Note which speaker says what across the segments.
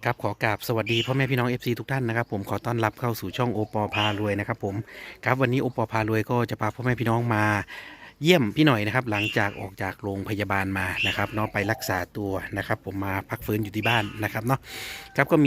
Speaker 1: ครับขอกราบสวัสดีพ่อแม่พี่น้อง FC ทุกท่านนะครับผมขอต้อนรับเข้าสู่ช่องโอปอพารวยนะครับผมครับวันนี้โอปอพารวยก็จะพาพ่อแม่พี่น้องมาเยี่ยมพี่หน่อยนะครับหลังจากออกจากโรงพยาบาลมานะครับเนาะไปรักษาตัวนะครับผมมาพักฟื้นอยู่ที่บ้านนะครับเนาะครับก็มี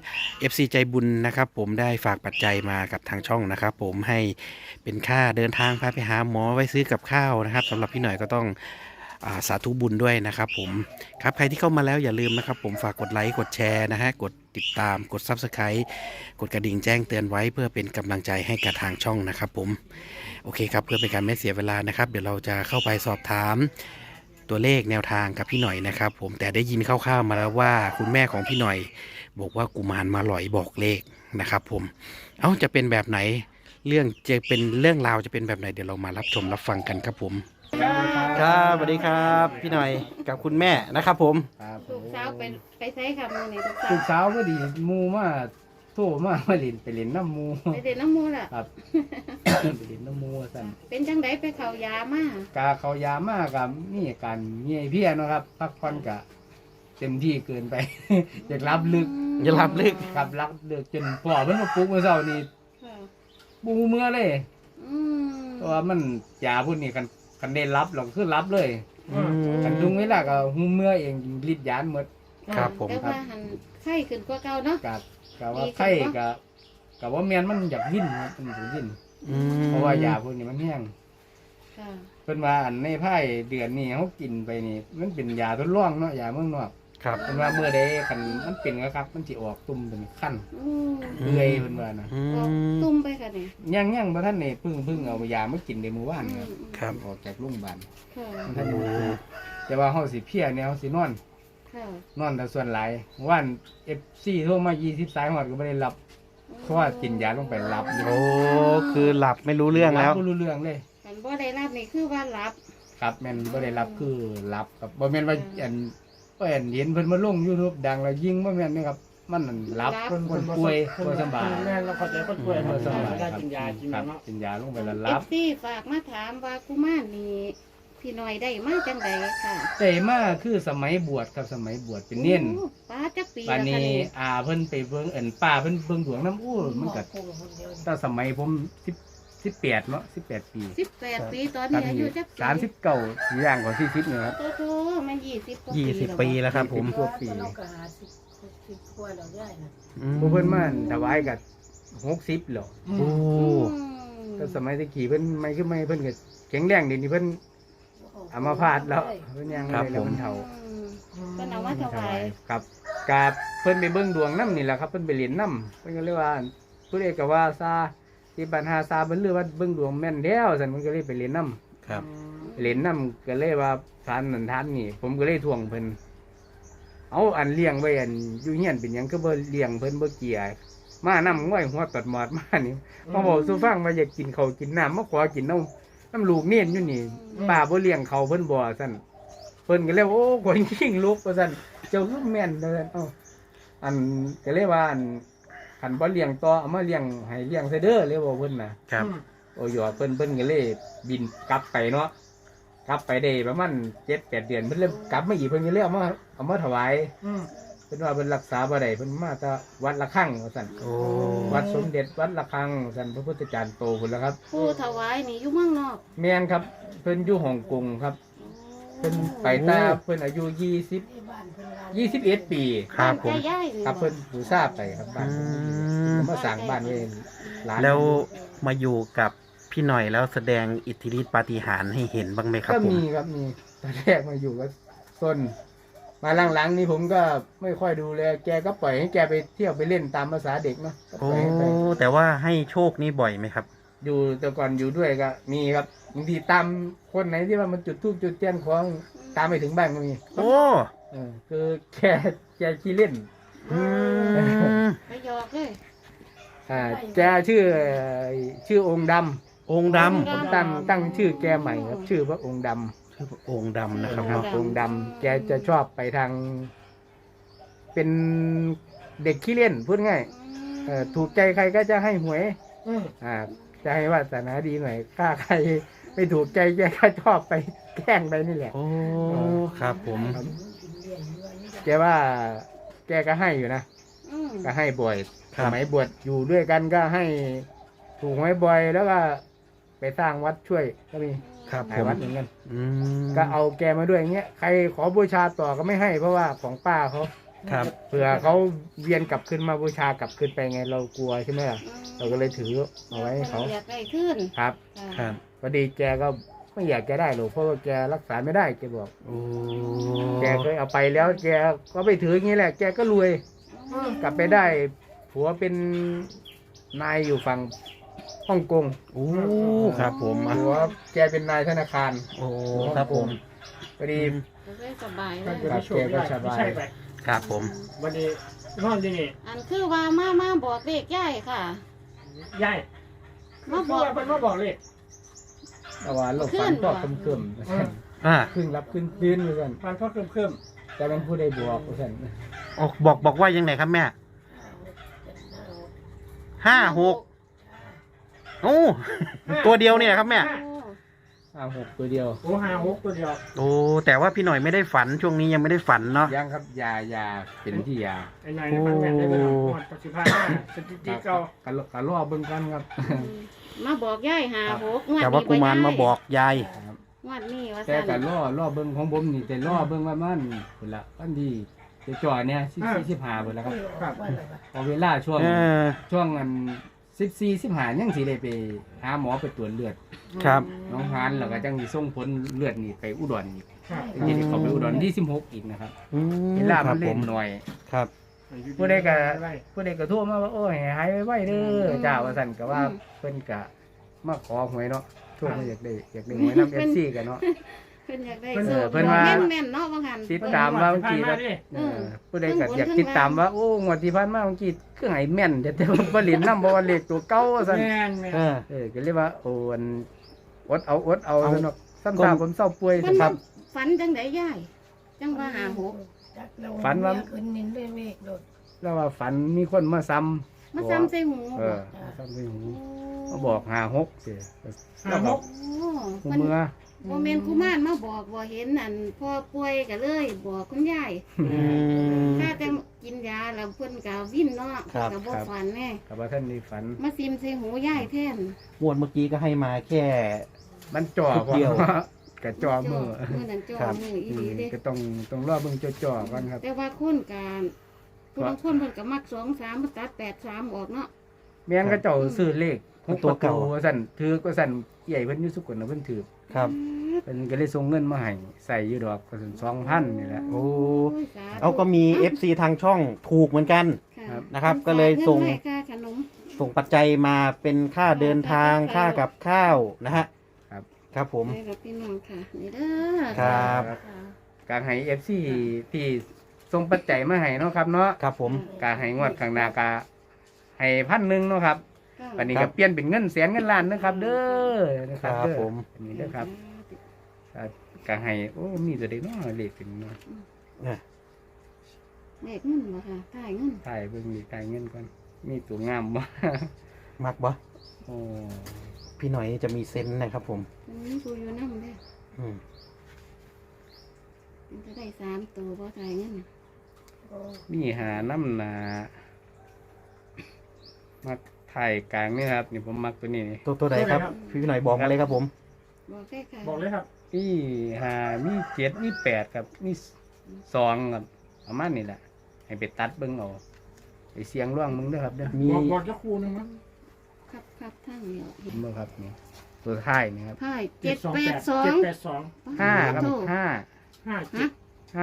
Speaker 1: FC ใจบุญนะครับผมได้ฝากปัจจัยมากับทางช่องนะครับผมให้เป็นค่าเดินทางพาไปหาหมอไว้ซื้อกับข้าวนะครับสำหรับพี่หน่อยก็ต้องสาธุบุญด้วยนะครับผมครับใครที่เข้ามาแล้วอย่าลืมนะครับผมฝากกดไลค์กดแชร์นะฮะกดติดตามกด Subscribe กดกระดิ่งแจ้งเตือนไว้เพื่อเป็นกำลังใจให้กับทางช่องนะครับผมโอเคครับเพื่อเป็นการไม่เสียเวลานะครับเดี๋ยวเราจะเข้าไปสอบถามตัวเลขแนวทางกับพี่หน่อยนะครับผมแต่ได้ยินคร่าวๆมาแล้วว่าคุณแม่ของพี่หน่อยบอกว่ากุมารมาหลอยบอกเลขนะครับผมจะเป็นแบบไหนเรื่องจะเป็นเรื่องราวจะเป็นแบบไหนเดี๋ยวเรามารับชมรับฟังกันครับผมครับสวัสดีครับพี่หน่อยกับคุณแม่นะครับผม
Speaker 2: ครับ
Speaker 3: ลูกสาวไปใช้ค่ะมือนี่ลูกสาว
Speaker 2: ลูกสาวก็ดีหมูมาโทรมาเล่นไปเล่นน้ำหมู
Speaker 3: ไปเด็นน้ำมูล่ะ
Speaker 2: ครับ ไปเล่นน้ำหมูสั่น
Speaker 3: เป็นจังไดไปเขายามาก
Speaker 2: าเขายามากกับนี่การเงียเพี้ยเนาะครับพักผ่อนกะเต็มที่เกินไป อยากรับลึก
Speaker 1: อย่ารับลึก
Speaker 2: ครับรับลึกจนพ่อเพิ่นมาปลุกเมื่อเช้านี่
Speaker 3: ค่ะ
Speaker 2: ปูเมื่อเลย
Speaker 3: อืม
Speaker 2: เพราะว่ามันยาพุ่นนี่คันได้รับเราคือรับเลย
Speaker 1: อืม
Speaker 2: คันดุงเวลาก็หูเมื่อเองฤทธิ์ยานหมด
Speaker 1: ครับผม
Speaker 3: แต่ว่าหันไข้ขึ้นกว่าเก่าเนาะ
Speaker 2: กับว่าไข้กับว่าแมนมันอยากวิ่นครับมันอยากวิ่น
Speaker 1: อืม
Speaker 2: เพราะว่ายาพวกนี้มันแห้ง
Speaker 3: ค่ะ
Speaker 2: เป็นว่าอันในไพ่เดือนนี้เขากินไปนี่มันเป็นยาทดลองเนาะยาเมืองนอก
Speaker 1: ครับ
Speaker 2: เป็นว่าเมื่อใดคันมันเป็นก็ครับมันสิออกตุ่มเป็นขั้น
Speaker 3: อืม
Speaker 2: เอื่อยเป็นว่านะ
Speaker 1: อื
Speaker 3: ออก
Speaker 1: ม
Speaker 3: ตุ้มไปค่ะเนี่ย
Speaker 2: ย่างบ่ท่านนี่เพิ่งเอายามากินในหมู่บ้านครับ
Speaker 1: ครับ
Speaker 2: ออกจากโรงพยาบาล
Speaker 3: ค่ะ
Speaker 2: มันท่านอยู่แต่ว่าเฮาสิเพลียเนี่ยเฮาสินอน
Speaker 3: ค่ะ
Speaker 2: นอนแต่ส่วนหลายวัน FC โทรมา20สายฮอดก็บ่ได้รับเพราะว่ากินยาลงไปรับอยู่
Speaker 1: โอ้คือหลับไม่รู้เรื่องแล้ว
Speaker 2: บ่รู้เรื่องเลย
Speaker 3: หันบ่ได้รับนี่คือว่ารับ
Speaker 2: ครับแม่นบ่ได้รับคือรับครับบ่แม่นว่าอันก็เห็นเพิ่นมาลง YouTube ดังแล้วยิงบ่แม่นนะครับมันนั่นรับคนป่วยบ่สบาย
Speaker 4: แม่เราเข้าใจคนป่วย
Speaker 2: บ่สบาย
Speaker 4: ไม่ได้
Speaker 2: ครับ
Speaker 4: กินยากิน
Speaker 2: ครับ
Speaker 4: เนาะ
Speaker 2: กินยาลงไปแล้ว
Speaker 3: เอ
Speaker 2: รับ
Speaker 3: ฟซีฝากมาถามว่ากุมารนี่พี่น้อยได้มาจังไดค่ะ
Speaker 2: แต่มาคือสมัยบวชครับสมัยบวชเป็นเน้น
Speaker 3: โอ้ป้าจักปี
Speaker 2: บัด
Speaker 3: แล้ว
Speaker 2: นี้
Speaker 3: ค่ะนี่
Speaker 2: เพิ่นไปเบิ่งป้าเพิ่นเบิ่งดวงน้ำอู้มันก็ตั้งสมัยผม18เนาะ18 ปี
Speaker 3: 18 ปีตอนนี้อายุจักปี
Speaker 2: 39อย่างกว่า40นี่ครับ
Speaker 3: โอ้โหมัน20กว่า
Speaker 1: 20 ปีแล้วครับผม
Speaker 2: 20กว่าปี
Speaker 1: อืม
Speaker 2: ผู้เพิ่นมาถวายก็60แล้ว
Speaker 1: โอ้
Speaker 2: ก็สมัยตะกี้เพิ่นไม่คือไม่เพิ่นก็แข็งแรงเดี๋ยวนี้เพิ่นเอามาพาดแล้วเพิ่นยังเลยแล้วเพิ่นเฒ่า
Speaker 3: เป็นเอามาถวาย
Speaker 2: ครับกาเพิ่นไปเบิ่งดวงน้ำนี่แหละครับเพิ่นไปเรียนน้ำเพิ่นก็เลยว่าผู้ใดก็ว่าซาที่บ้านหาซาเพิ่นเลือว่าเบิ่งดวงแม่นแล้วซั่นเพิ่นก็เลยไปเรียนน้
Speaker 1: ครับ
Speaker 2: ำเรียนน้ำก็เลยว่าทานนั่นทานนี่ ผมก็เลยทวงเพิ่นเอาอันเลี้ยงไว้อันอยู่เฮียนเป็นหยังก็บ่เลี้ยงเพิ่นบ่เกลียมานำง่อยหัวตอดหมอดมานี่มาบอกสู่ฟังว่าอยากกินข้าวกินน้ำมาขอกินน้ำลูกเนียนอยู่นี่ป้าบ่เลี้ยงเขาเพิ่นบ่ซั่นเพิ่นก็เลยว่าโอ้คนขิงลูกว่าซั่นเจ้าคือแม่นเด้อเอ้าอันก็เลยว่าอันคันบ่เลี้ยงต่อเอามาเลี้ยงให้เลี้ยงซะเด้อเลยบอกเพิ่นน่ะ
Speaker 1: ครับ
Speaker 2: โอ้ยเพิ่นก็เลยบินกลับไปเนาะกลับไปได้ประมาณ7-8 เดือนเพิ่นเลยกลับมาอีกเพิ่นก็เลยเอามาถวายเพิ่นว่าเพิ่นรักษาบ่ได้เพิ่นมาแต่วัดละฆังว่าซั่น
Speaker 1: โอ้
Speaker 2: วัดสมเด็จวัดละฆังซั่นพระพุทธจารย์โตพุ่นแล้วครับ
Speaker 3: ผู้ถวายนี่อยู่เมืองนอก
Speaker 2: แม่นครับเพิ่นอยู่ฮ่องกงครับเพิ่นไปตาเพิ่นอายุ21 ปี
Speaker 1: ครับผม
Speaker 3: านใกล้ๆนี่
Speaker 2: ครับเพิ่นบูชาไปครับบ้าน
Speaker 1: อื
Speaker 2: เพิ่น
Speaker 1: ม
Speaker 2: มาสร้างบ้านไว้หลาน
Speaker 1: แล้วมาอยู่กับพี่หน่อยแล้วแสดงอิทธิฤทธิปาฏิหาริย์ให้เห็นบ้างไหมครับ
Speaker 2: ก็
Speaker 1: ผม
Speaker 2: มีครับมีตอนแรกมาอยู่ก็ต้นมาหลังๆนี่ผมก็ไม่ค่อยดูแลแกก็ปล่อยให้แกไปเที่ยวไปเล่นตามภาษาเด็กเนาะก็
Speaker 1: โอ้
Speaker 2: ปล่อยให้ไป
Speaker 1: แต่ว่าให้โชคนี้บ่อยไหมครับ
Speaker 2: อยู่แต่ก่อนอยู่ด้วยก็มีครับบางทีตามคนไหนที่ว่ามันจุดธูปจุดเทียนของตามไปถึงบ้านก็มี
Speaker 1: โอ้
Speaker 2: คือแกขี้เล่น
Speaker 1: อืม
Speaker 3: ไปหยอกเลย
Speaker 2: แกชื่อองค์ดำ
Speaker 1: องค์ด
Speaker 2: ผมตั้งชื่อแกใหม่ครับ ชื่อว่าองค์ดำ
Speaker 1: ำชื่อองค์ดำนะครับ
Speaker 2: ครับ
Speaker 1: เนาะ
Speaker 2: องค์ดำแกจะชอบไปทาง เป็นเด็กขี้เล่นพูดง่ายถูกใจใครก็จะให้หวยจะให้วาสนาดีหน่อยถ้าใครไม่ถูกใจแกก็ชอบไปแกล้งไปนี่แหละ
Speaker 1: โอ้ครับผม
Speaker 2: แกว่า แกก็ให้อยู่นะก็ให้บ่อย
Speaker 1: ค
Speaker 2: ส
Speaker 1: รับ
Speaker 2: มัยบวชอยู่ด้วยกันก็ให้ถูกหวยบ่อยแล้วก็ไปสร้างวัดช่วยก็มี
Speaker 1: ครับ
Speaker 2: หลายวัดเหมือนกัน
Speaker 1: อืม
Speaker 2: ก็เอาแกมาด้วยอย่างเงี้ยใครขอบูชาต่อก็ไม่ให้เพราะว่าของป้าเขา
Speaker 1: ครับ
Speaker 2: เผื่อเขาเวียนกลับขึ้นมาบูชากลับขึ้นไปไงเรากลัวใช่ไหมล่ะเราก็เลยถือเอาไว้ให้เขา
Speaker 3: อยากได้ขึ้น
Speaker 2: ครับ
Speaker 3: ค่ะ
Speaker 1: ครับ
Speaker 2: พอดีแกก็ไม่อยากจะได้หรอกเพราะว่าแกรักษาไม่ได้แกบอก
Speaker 1: โอ้
Speaker 2: แกเคยเอาไปแล้วแกก็ไปถืออย่างนี้แหละ แกก็รวยกลับไปได้ผัวเป็นนายอยู่ฝั่งฮ่องกง
Speaker 1: โอ้ครับผมอ่ะ
Speaker 2: ผัวแกเป็นนายธนาคาร
Speaker 1: โอ้ครับผม
Speaker 2: พอดี
Speaker 3: ก็ได้สบายเล
Speaker 4: มัน
Speaker 3: ย
Speaker 4: จะได้โชคได้ไม่ใช่ไป
Speaker 1: ครับผม
Speaker 4: วันนี้นอนที่นี่
Speaker 3: อันคือว่ามาบอกเลขย่ายค่ะ
Speaker 4: ยาย
Speaker 3: มา
Speaker 4: บบ อ
Speaker 3: อก ก
Speaker 4: มันมาบอกเลย
Speaker 2: แต่ว่าโลกฝันก็เพิ่ม
Speaker 1: อ่า
Speaker 2: ครึ่งรับครึ่งคืนเหมือนกัน
Speaker 4: มันก็เพิ่ม
Speaker 2: แต่มันผู้ใดบอกเหมือนกัน
Speaker 1: บอกว่ายังไงครับแม่56โอ้ตัวเดียวเนี่ยครับแม่
Speaker 3: โอ้
Speaker 2: 56ตัวเดียว
Speaker 4: โอ้56ตัวเดียว
Speaker 1: โอ้แต่ว่าพี่หน่อยไม่ได้ฝันช่วงนี้ยังไม่ได้ฝันเนาะ
Speaker 2: ยังครับยาเป็นที่ยา
Speaker 4: ไอ้นายในพันแม่ได้ไปหน่อยหมดปัจจุบันสถิติเก่า
Speaker 2: กะล่อเบิ่งกันครับ
Speaker 3: มาบอกย่าย56งวด
Speaker 1: แต่ว่า
Speaker 3: นี้
Speaker 1: กุมารมาบอกยาย
Speaker 3: งวดนี้ว่า
Speaker 2: แต่
Speaker 3: ซั่น
Speaker 2: กะล่อเบิ่งของผมนี่แต่ล่อเบิ่งว่ามันพุ่นละอันดีจะจ่อเนี่ย45พุ่นละครับ
Speaker 4: ครับ
Speaker 2: พอเวลาช่วง
Speaker 1: เออ
Speaker 2: ช่วงอัน14-15ยังสิได้ไปหาหมอไปตรวจเลือด
Speaker 1: ครับ
Speaker 2: น้องฮานแล้วก็จังสิส่งผลเลือดนี่ไปอุดรอีก
Speaker 4: ครับ
Speaker 2: ยังสิเข้าไปอุดรที่16อีกนะครับ
Speaker 1: อืม
Speaker 2: เวลา
Speaker 1: ค
Speaker 2: มั
Speaker 1: รับ
Speaker 2: น
Speaker 1: ผ
Speaker 2: เล่น
Speaker 1: ม
Speaker 2: หน่อย
Speaker 1: ครับ
Speaker 2: ผู้ใดก็โทรมาว่าโอ้ยหายไว้เด้อเจ้าว่าซั่นก็ว่าเพิ่นก็มาขอหวยเนาะโทรมาอยากได้หวยนำ FC กันเนาะ
Speaker 3: เพิ่นอยากได้
Speaker 2: เพิ่น
Speaker 3: โชค
Speaker 2: เพิ่นว่า
Speaker 3: แม่นๆเนาะว่าหั่น
Speaker 2: ติดตามว่าบางที
Speaker 4: ผ่น
Speaker 2: แบ
Speaker 4: มา
Speaker 2: บ
Speaker 4: ดิ
Speaker 2: ผู้ใดก็อยากติดตามว่าโอ้งวดที่ผ่านมาบางทีคือให้แม่นแต่ว่าบ่เล่นนำบ่ว่าเลขตัวเก่าว่าซั่น
Speaker 4: แม่นแม่น
Speaker 1: เออ
Speaker 2: ก็เลยว่าโอ้อันอดเอาซั่นเนาะซ้ำ
Speaker 1: ก็
Speaker 2: ตาผมเศร้าป่วย
Speaker 3: เพิ่น
Speaker 2: ค
Speaker 3: มา
Speaker 2: รับ
Speaker 3: ฝันจังไดย่ายจังว่า56
Speaker 2: ฝันว่า
Speaker 5: ขึ้นนินด้วยเมฆโดด
Speaker 2: แล้วว่าฝันมีคนมาซ้ำ
Speaker 3: มาซ้ำใส่หู
Speaker 2: เอ
Speaker 3: บ่
Speaker 2: อมาซ้ำในหูมาบอก56สิ
Speaker 4: 56
Speaker 3: โอ้
Speaker 2: หู
Speaker 3: เพิ่น
Speaker 2: เมื่อ
Speaker 3: บ่แม่นกุมารมาบอกบ่เห็นอันพ่อป่วยก็เลยบอกคุณยาย
Speaker 1: อืม
Speaker 3: ถ้าแต่กินยาแล้วเพิ่นก็วิ่นเนาะ
Speaker 1: ครับ
Speaker 3: ก็บ่ฝันแน่
Speaker 2: กับว่าท่านนี่ฝัน
Speaker 3: มาซิมใส่หูยายแทน
Speaker 1: งวดเมื่อกี้ก็ให้มาแค่
Speaker 2: มันจ่อ
Speaker 1: นิดเดียว
Speaker 2: กะจ่อมือ
Speaker 3: มื้อนั้นจ่อ
Speaker 1: ครับ
Speaker 3: มืออีหลีเด้
Speaker 2: ก็ต้องรอเบิ่งจ่อๆก่อนครับ
Speaker 3: แต่ว่าคนการผู้บางคนเพิ่นก็มัก2-3มาตัด8-3ออกเนาะ
Speaker 2: แม่นก็เจ้าซื้อเลข
Speaker 1: ตัวเก่า
Speaker 2: ว่าซั่นถือก็ซั่นใหญ่เพิ่นอยู่สุกลน่ะเพิ่นถือ
Speaker 1: ครับ
Speaker 2: เพิ่นก็เลยส่งเงินมาให้ใส่อยู่ดอกก็ซั่น2,000นี่แหละ
Speaker 1: โอ้
Speaker 3: ยสธุ
Speaker 1: เอาก็มี FC ทางช่องถูกเหมือนกัน
Speaker 3: ค่ะ
Speaker 1: นะครับก็เลยส่ง
Speaker 3: งินไว้ค่าขนม
Speaker 1: ส่งปัจจัยมาเป็นค่าเดินทางค่ากับข้าวนะฮะ
Speaker 2: ครับ
Speaker 1: ครับผม
Speaker 3: ให้กับพี่น้องค่ะนี่เด้อ
Speaker 1: ครับ
Speaker 3: ค่ะ
Speaker 2: การให้ FC ที่ส่งปัจจัยมาให้เนาะครับเนาะ
Speaker 1: ครับผม
Speaker 2: การให้งวดข้างหน้าก็ให้1,000เนาะครับ
Speaker 3: ค่ะ
Speaker 2: วันนี้
Speaker 1: ครั
Speaker 2: ก็
Speaker 1: บ
Speaker 2: เปลี่ยนเป็นเงินแสนเงินล้านนะครับ เด้อนะค
Speaker 1: ค
Speaker 2: รั
Speaker 1: รั
Speaker 2: บบ เด้อ
Speaker 1: ผม
Speaker 2: อันนี้เด้อครับก็ให้โอ้มีตัวเด็กเนาะเลขเป็นเนาะ
Speaker 1: เนี่ย
Speaker 3: เลขเงินบ่ค่ะถ่ายเงิน
Speaker 2: ถ่ายเบิ่งมีถ่ายเงินก่อนมีตัวงามบ่
Speaker 1: มักบ่
Speaker 2: โอ้
Speaker 1: พี่หน่อยจะมีเซนส์นะครับผม
Speaker 3: มันมีผู้อยู่นำเด้อ
Speaker 1: อืม
Speaker 3: มันจะได้3ตัวบ่ถ่ายเงิน
Speaker 2: มีหาน้ำหนามักถ่ายกลางนี่ครับนี่ผมมักตัวนี้นี่
Speaker 1: ตัวใดครับ พี่หน่อยบอกมาเลยครับผม
Speaker 3: บอกได้ค่ะ
Speaker 4: บอกเลยครับ
Speaker 2: มีหามี7มี8ครับมี2ครับประมาณนี้แหละให้ไปตัดเบิ่งเอาไปเสียงร่วงมึงเด้อครับเด้อ
Speaker 1: มี
Speaker 4: บอกจะคู่นึงมั้ง
Speaker 3: ครับทั้งเดียว
Speaker 2: เห็นบ่ครับนี่ตัวท้ายนี่ครับ
Speaker 3: ถ่าย
Speaker 4: 782
Speaker 3: 782
Speaker 2: 5ครับ5
Speaker 4: 57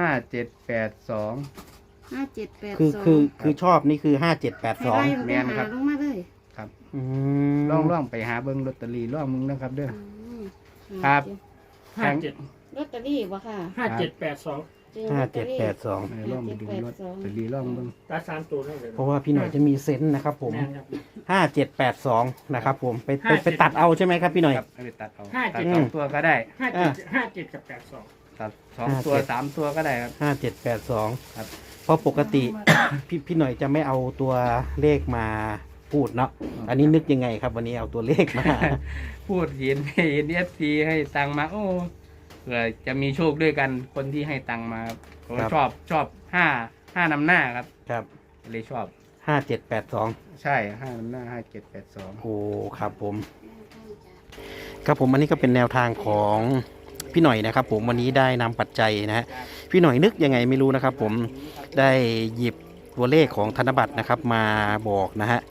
Speaker 2: 5782
Speaker 3: 5782
Speaker 1: คือชอบนี่คือ5782
Speaker 2: แม่นครับ
Speaker 3: ลงมาเลย
Speaker 1: อืม
Speaker 2: ล่องไปหาเบิ่งลอตเตอรี่ล่องมึงนะครับเด้อ
Speaker 3: อืม
Speaker 2: ครับ
Speaker 4: 57
Speaker 3: ลอตเตอรี่บ่ค่ะ
Speaker 4: 5782
Speaker 3: จึงลอตเตอรี่
Speaker 1: 5782
Speaker 2: ล่องไปดูลอตเตอรี่ล่องเบิ่ง
Speaker 4: ตา3ตัวนั่นเลย
Speaker 1: เพราะว่าพี่หน่อยจะมีเซนส์นะครับผม
Speaker 4: แม่นครับ
Speaker 1: 5782นะครับผมไป
Speaker 4: 57
Speaker 1: ตัดเอาใช่ไหมครับพี่หน่อย
Speaker 2: ครับเอาไปตัดเอา
Speaker 4: 57
Speaker 2: ตัดสองตัวก็ได้
Speaker 4: 57กับ82
Speaker 2: ตัด2ตัว3ตัวก็ได้ครับ
Speaker 1: 5782
Speaker 2: ครับ
Speaker 1: เพราะปกติ พี่หน่อยจะไม่เอาตัวเลขมาพูดเนาะอันนี้นึกยังไงครับ วันนี้เอาตัวเลขมา
Speaker 2: พูดเห็นFC ให้ตังค์มาโอ้เผื่อจะมีโชคด้วยกันคนที่ให้ตังค์มาครับผม
Speaker 1: ครับ
Speaker 2: ชอบ5นำหน้าครับ
Speaker 1: ครับ
Speaker 2: เลยชอบ
Speaker 1: 5782
Speaker 2: ใช่5 หน้า 5782
Speaker 1: โอ้ครับผมครับผมอันนี้ก็เป็นแนวทางของพี่หน่อยนะครับผมวันนี้ได้นำปัจจัยนะฮะพี่หน่อยนึกยังไงไม่รู้นะครับผมได้หยิบตัวเลขของธนบัตรนะครับมาบอกนะฮะ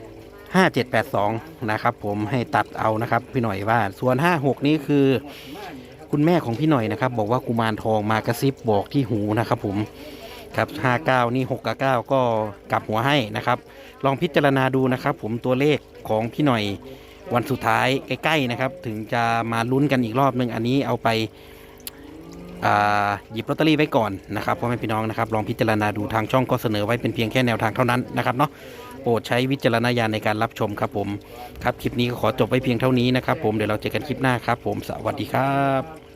Speaker 1: 5782นะครับผมให้ตัดเอานะครับพี่หน่อยว่าส่วน56นี้คือคุณแม่ของพี่หน่อยนะครับบอกว่ากุมารทองมากระซิบบอกที่หูนะครับผมครับ59นี่6กับ9ก็กลับหัวให้นะครับลองพิจารณาดูนะครับผมตัวเลขของพี่หน่อยวันสุดท้ายใกล้ๆนะครับถึงจะมาลุ้นกันอีกรอบนึงอันนี้เอาไปหยิบลอตเตอรี่ไว้ก่อนนะครับพ่อแม่พี่น้องนะครับลองพิจารณาดูทางช่องก็เสนอไว้เป็นเพียงแค่แนวทางเท่านั้นนะครับเนาะโปรดใช้วิจารณญาณในการรับชมครับผมครับคลิปนี้ก็ขอจบไว้เพียงเท่านี้นะครับผมเดี๋ยวเราเจอกันคลิปหน้าครับผมสวัสดีครับ